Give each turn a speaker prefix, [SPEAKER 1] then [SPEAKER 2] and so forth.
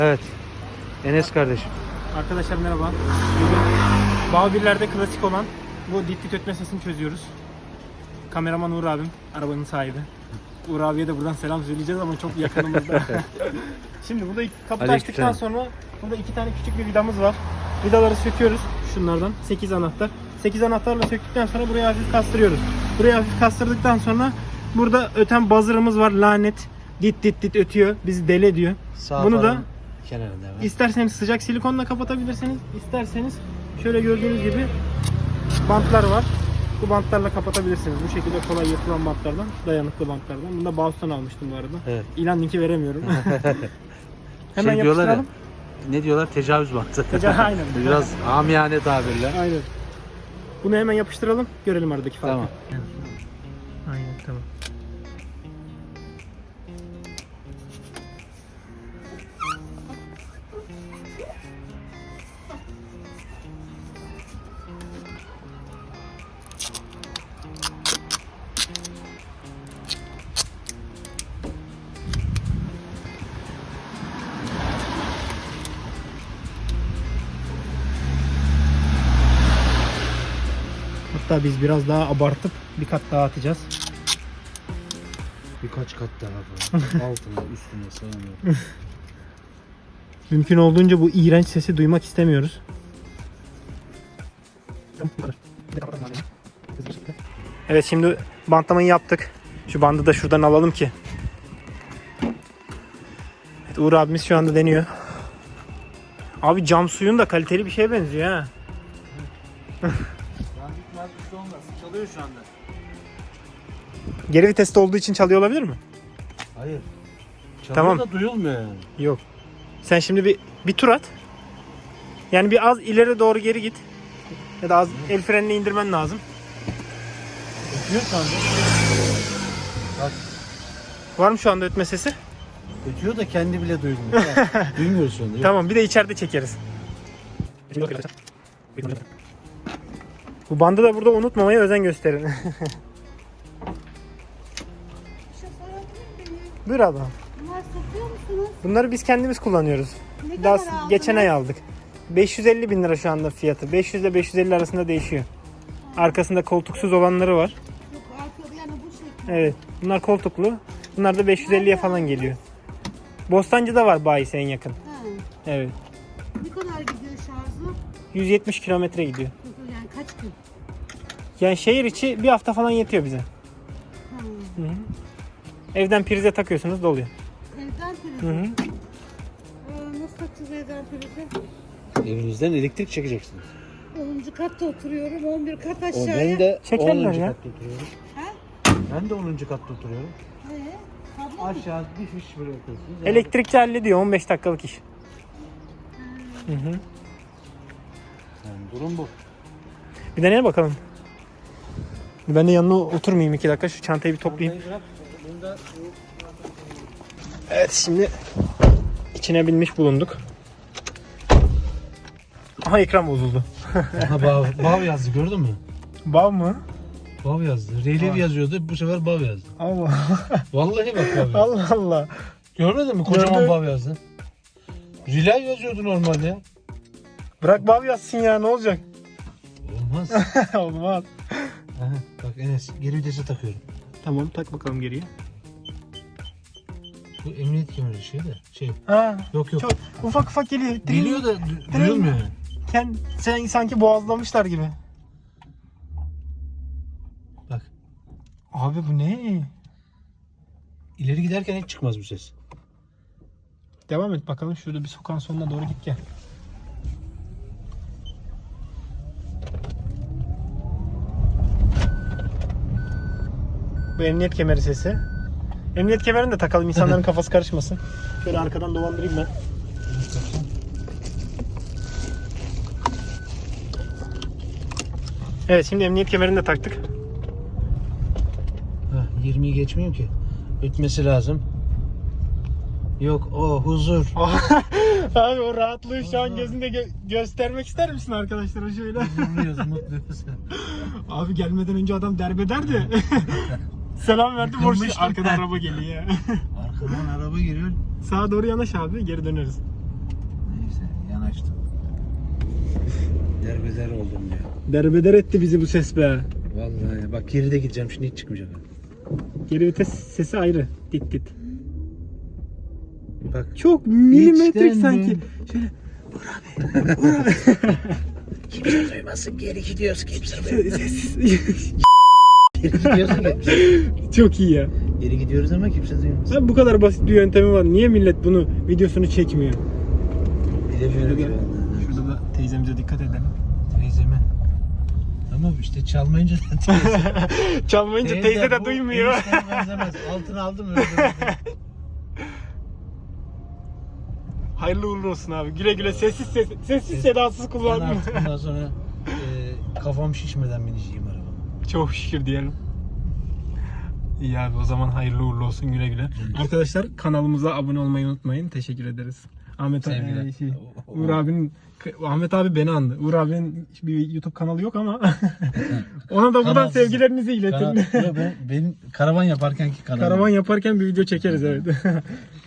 [SPEAKER 1] Evet. Enes kardeşim.
[SPEAKER 2] Arkadaşlar merhaba. Bugün Bağbirler'de klasik olan bu dit ötme sesini çözüyoruz. Kameraman Uğur abim, arabanın sahibi. Uğur abiye de buradan selam söyleyeceğiz ama çok yakınımızda. Şimdi burada kapıyı açtıktan sonra burada iki tane küçük bir vidamız var. Vidaları söküyoruz şunlardan. 8 anahtar. 8 anahtarla söktükten sonra buraya hafif kastırıyoruz. Buraya hafif kastırdıktan sonra burada öten buzzer'ımız var. Lanet. Dit ötüyor. Bizi deli ediyor. Bunu da İsterseniz sıcak silikonla kapatabilirsiniz. İsterseniz şöyle gördüğünüz gibi bantlar var. Bu bantlarla kapatabilirsiniz. Bu şekilde kolay yırtılan bantlardan, dayanıklı bantlardan. Bunu da Bauhaus'tan almıştım bu arada.
[SPEAKER 1] Evet.
[SPEAKER 2] İlan linki veremiyorum. Hemen
[SPEAKER 1] Şey diyorlar ya,
[SPEAKER 2] yapıştıralım.
[SPEAKER 1] ne diyorlar? Tecavüz bantı.
[SPEAKER 2] Aynen.
[SPEAKER 1] Biraz amiyane tabirle.
[SPEAKER 2] Aynen. Bunu hemen yapıştıralım. Görelim aradaki farkı.
[SPEAKER 1] Tamam.
[SPEAKER 2] Aynen tamam. Hatta biz biraz daha abartıp bir kat daha atacağız.
[SPEAKER 1] Birkaç kat daha falan. Altına, üstüne, sağına.
[SPEAKER 2] Mümkün olduğunca bu iğrenç sesi duymak istemiyoruz. Evet, şimdi bantlamayı yaptık. Şu bandı da şuradan alalım ki. Evet, Uğur abimiz şu anda deniyor. Abi cam suyun da kaliteli bir şeye benziyor ha.
[SPEAKER 1] Çalıyor şu anda.
[SPEAKER 2] Geri viteste olduğu için çalıyor olabilir mi?
[SPEAKER 1] Hayır. Çalıyor
[SPEAKER 2] Tamam.
[SPEAKER 1] da duyulmuyor yani.
[SPEAKER 2] Yok. Sen şimdi bir tur at. Yani bir az ileri doğru geri git. Ya da az el frenini indirmen lazım.
[SPEAKER 1] Ötüyor şu anda. Bak.
[SPEAKER 2] Var mı şu anda ötme sesi?
[SPEAKER 1] Ötüyor da kendi bile duymuyor. Duymuyoruz şu anda. Yok.
[SPEAKER 2] Tamam, bir de içeride çekeriz. Bu bandı da burada unutmamaya özen gösterin. Buyur abla.
[SPEAKER 3] Bunlar satıyor musunuz?
[SPEAKER 2] Bunları biz kendimiz kullanıyoruz.
[SPEAKER 3] Ne
[SPEAKER 2] Daha
[SPEAKER 3] kadar aldınız?
[SPEAKER 2] geçen ay aldık. 550 bin lira şu anda fiyatı. 500 ile 550 arasında değişiyor. Arkasında koltuksuz olanları var.
[SPEAKER 3] Yok, arkada yani bu şekilde.
[SPEAKER 2] Evet. Bunlar koltuklu. Bunlar da 550'ye falan geliyor. Bostancı'da var bayisi en yakın.
[SPEAKER 3] Ha.
[SPEAKER 2] Evet.
[SPEAKER 3] Ne kadar gidiyor şarjı?
[SPEAKER 2] 170 kilometre gidiyor.
[SPEAKER 3] Yani kaç gün?
[SPEAKER 2] Yani şehir içi bir hafta falan yetiyor bize.
[SPEAKER 3] Ha.
[SPEAKER 2] Hı hı. Evden prize takıyorsunuz, doluyor.
[SPEAKER 3] Evden prizi.
[SPEAKER 2] Hı hı.
[SPEAKER 3] Nasıl takacağız evden prizi?
[SPEAKER 1] Evinizden elektrik çekeceksiniz.
[SPEAKER 3] 10. katta oturuyorum, 11 kat aşağıya.
[SPEAKER 1] Ben de
[SPEAKER 2] Çekerler
[SPEAKER 1] 10.
[SPEAKER 2] ya.
[SPEAKER 1] katta oturuyorum.
[SPEAKER 3] Ha?
[SPEAKER 1] Ben de 10. katta oturuyorum.
[SPEAKER 3] Kablo mu?
[SPEAKER 1] Aşağı bir fiş bırakıyorsunuz.
[SPEAKER 2] Elektrikçi hallediyor, 15 dakikalık iş. Hı hı.
[SPEAKER 1] Yani durum bu.
[SPEAKER 2] Bir deneyelim bakalım. Ben de yanına oturmayayım 2 dakika, şu çantayı bir toplayayım. Evet, şimdi içine binmiş bulunduk. Aha, ekran bozuldu.
[SPEAKER 1] Aha bav yazdı, gördün mü?
[SPEAKER 2] Bav mı?
[SPEAKER 1] Bav yazdı. Relief yazıyordu, bu sefer bav yazdı.
[SPEAKER 2] Allah
[SPEAKER 1] Vallahi bak bav yazdı.
[SPEAKER 2] Allah Allah.
[SPEAKER 1] Görmedin mi? Kocaman
[SPEAKER 2] Gördüm.
[SPEAKER 1] bav yazdı. Relay yazıyordu normalde.
[SPEAKER 2] Bırak bav yazsın ya, ne olacak?
[SPEAKER 1] Olmaz.
[SPEAKER 2] Olmaz.
[SPEAKER 1] Aha, bak Enes, geri vitese takıyorum.
[SPEAKER 2] Tamam, tak bakalım geriye.
[SPEAKER 1] Bu emniyet kemeri şey.
[SPEAKER 2] Ha,
[SPEAKER 1] Yok.
[SPEAKER 2] çok ufak geliyor.
[SPEAKER 1] Geliyor da duyulmuyor.
[SPEAKER 2] Sen sanki boğazlamışlar gibi.
[SPEAKER 1] Bak.
[SPEAKER 2] Abi bu ne?
[SPEAKER 1] İleri giderken hiç çıkmaz bu ses.
[SPEAKER 2] Devam et bakalım, şurada bir sokağın sonuna doğru git gel. Bu emniyet kemeri sesi. Emniyet kemerini de takalım, insanların kafası karışmasın. Şöyle arkadan dolandırayım ben. Evet, şimdi emniyet kemerini de taktık.
[SPEAKER 1] 20'yi geçmeyeyim ki. Ötmesi lazım. Yok, o huzur.
[SPEAKER 2] Abi o rahatlığı şu an gözünde göstermek ister misin arkadaşlara şöyle?
[SPEAKER 1] Huzurluyuz, mutluyuz.
[SPEAKER 2] Abi gelmeden önce adam derbederdi. Selam verdi, boş arkadan araba geliyor ya.
[SPEAKER 1] Arkadan araba geliyor.
[SPEAKER 2] Sağa doğru yanaş abi, geri döneriz.
[SPEAKER 1] Neyse yanaştım. Derbeder oldum ya.
[SPEAKER 2] Derbeder etti bizi bu ses be.
[SPEAKER 1] Vallahi bak geride gideceğim şimdi hiç çıkmayacak.
[SPEAKER 2] Geri vites sesi ayrı. Dit dit.
[SPEAKER 1] Bak
[SPEAKER 2] Çok milimetrik
[SPEAKER 1] İçten
[SPEAKER 2] sanki. Şöyle Uğur abi.
[SPEAKER 1] kimse duymasın geri gidiyoruz kimse
[SPEAKER 2] Sessiz.
[SPEAKER 1] Geri gidiyoruz
[SPEAKER 2] Çok iyi ya.
[SPEAKER 1] Geri gidiyoruz ama kimse duymasın.
[SPEAKER 2] Abi bu kadar basit bir yöntemi var. Niye millet bunu videosunu çekmiyor?
[SPEAKER 1] Bilemiyorum ki
[SPEAKER 2] Şurada,
[SPEAKER 1] ben.
[SPEAKER 2] şurada da teyzemize dikkat edelim.
[SPEAKER 1] Teyzeme. Ama işte çalmayınca
[SPEAKER 2] Çalmayınca teyze de
[SPEAKER 1] bu
[SPEAKER 2] duymuyor.
[SPEAKER 1] enişteme benzemez. Altını aldım öyle.
[SPEAKER 2] Hayırlı uğurlu olsun abi. Güle güle sessiz sedasız
[SPEAKER 1] Ben
[SPEAKER 2] kullan.
[SPEAKER 1] artık bundan sonra kafam şişmeden bineceğim arabama.
[SPEAKER 2] Çok şükür diyelim. İyi abi o zaman hayırlı uğurlu olsun güle güle. Arkadaşlar kanalımıza abone olmayı unutmayın. Teşekkür ederiz.
[SPEAKER 1] Sevgiler.
[SPEAKER 2] Uğur abinin Ahmet abi beni andı. Uğur abinin bir YouTube kanalı yok ama ona da buradan
[SPEAKER 1] Kanalsız.
[SPEAKER 2] sevgilerinizi iletin.
[SPEAKER 1] Benim karavan yaparkenki kanalım.
[SPEAKER 2] Karavan yaparken bir video çekeriz evet.